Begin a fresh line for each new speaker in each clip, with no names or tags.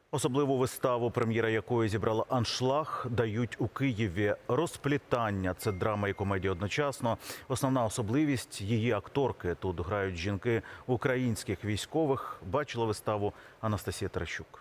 Особливу виставу, прем'єра якої зібрала аншлаг, дають у Києві. «Розплітання» – це драма і комедія одночасно. Основна особливість – її акторки. Тут грають жінки українських військових. Бачила виставу Анастасія Таращук.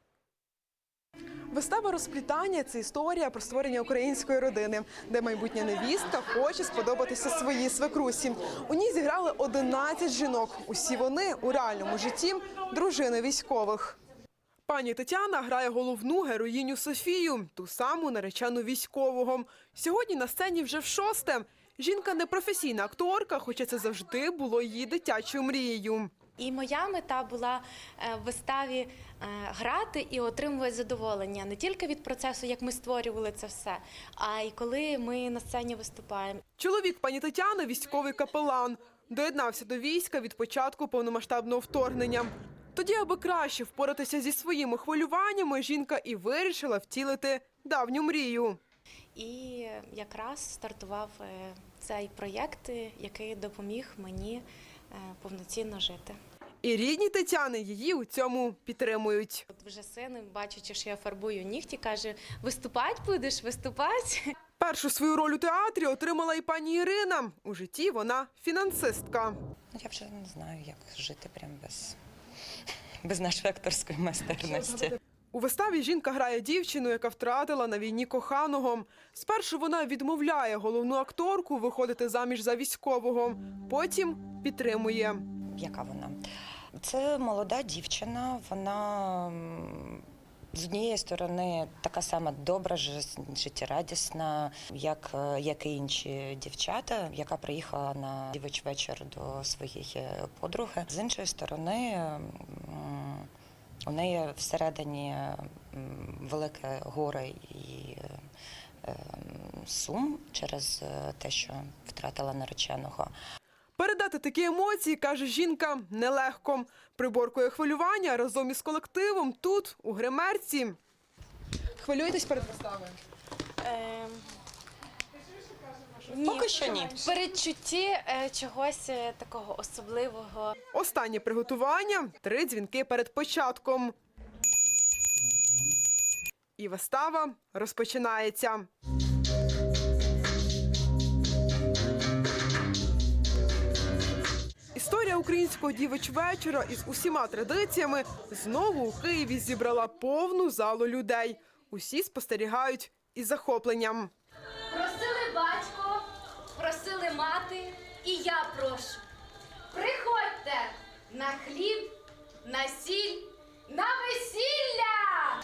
Вистава «Розплітання» – це історія про створення української родини, де майбутня невістка хоче сподобатися своїй свекрусі. У ній зіграли 11 жінок. Усі вони у реальному житті – дружини військових. Пані Тетяна грає головну героїню Софію, ту саму наречену військового. Сьогодні на сцені вже в-6. Жінка не професійна акторка, хоча це завжди було її дитячою мрією.
І моя мета була в виставі грати і отримувати задоволення не тільки від процесу, як ми створювали це все, а й коли ми на сцені виступаємо.
Чоловік пані Тетяни – військовий капелан. Доєднався до війська від початку повномасштабного вторгнення. Тоді, аби краще впоратися зі своїми хвилюваннями, жінка і вирішила втілити давню мрію.
І якраз стартував цей проєкт, який допоміг мені повноцінно жити.
І рідні Тетяни її у цьому підтримують.
От вже син, бачачи, що я фарбую нігті, каже: «Виступати будеш, виступати?»
Першу свою роль у театрі отримала і пані Ірина. У житті вона фінансистка.
Я вже не знаю, як жити прям без нашої акторської майстерності.
У виставі жінка грає дівчину, яка втратила на війні коханого. Спершу вона відмовляє головну акторку виходити заміж за військового, потім підтримує.
Яка вона? Це молода дівчина, вона з однієї сторони така сама добра, життєрадісна, як і інші дівчата, яка приїхала на дівочий вечір до своєї подруги. З іншої сторони, у неї всередині велике горе і сум через те, що втратила нареченого.
Передати такі емоції, каже жінка, нелегко. Приборкує хвилювання разом із колективом тут, у гримерці. Хвилюєтесь перед виставою?
Ні.
Поки що ні.
Передчутті чогось такого особливого.
Останнє приготування – 3 дзвінки перед початком. І вистава розпочинається. Історія українського дівочвечора із усіма традиціями знову у Києві зібрала повну залу людей. Усі спостерігають із захопленням.
Просили батько, просили мати, і я прошу. Приходьте на хліб, на сіль, на весілля!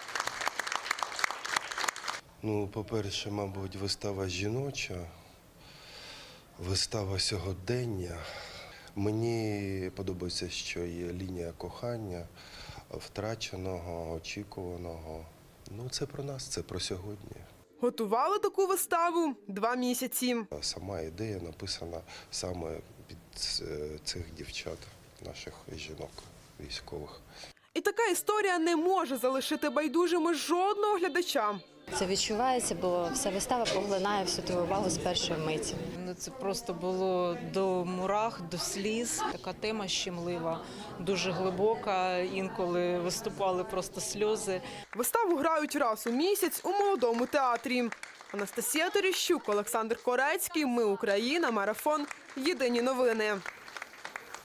Ну, по-перше, мабуть, вистава жіноча, вистава сьогодення. Мені подобається, що є лінія кохання, втраченого, очікуваного. Ну, це про нас, це про сьогодні.
Готували таку виставу 2 місяці.
Сама ідея написана саме під цих дівчат, наших жінок військових.
І така історія не може залишити байдужими жодного глядача.
Це відчувається, бо вся вистава поглинає всю твою увагу з першої миті.
Це просто було до мурах, до сліз. Така тема щемлива, дуже глибока, інколи виступали просто сльози.
Виставу грають раз у місяць у Молодому театрі. Анастасія Таращук, Олександр Корецький. Ми Україна. Марафон. Єдині новини.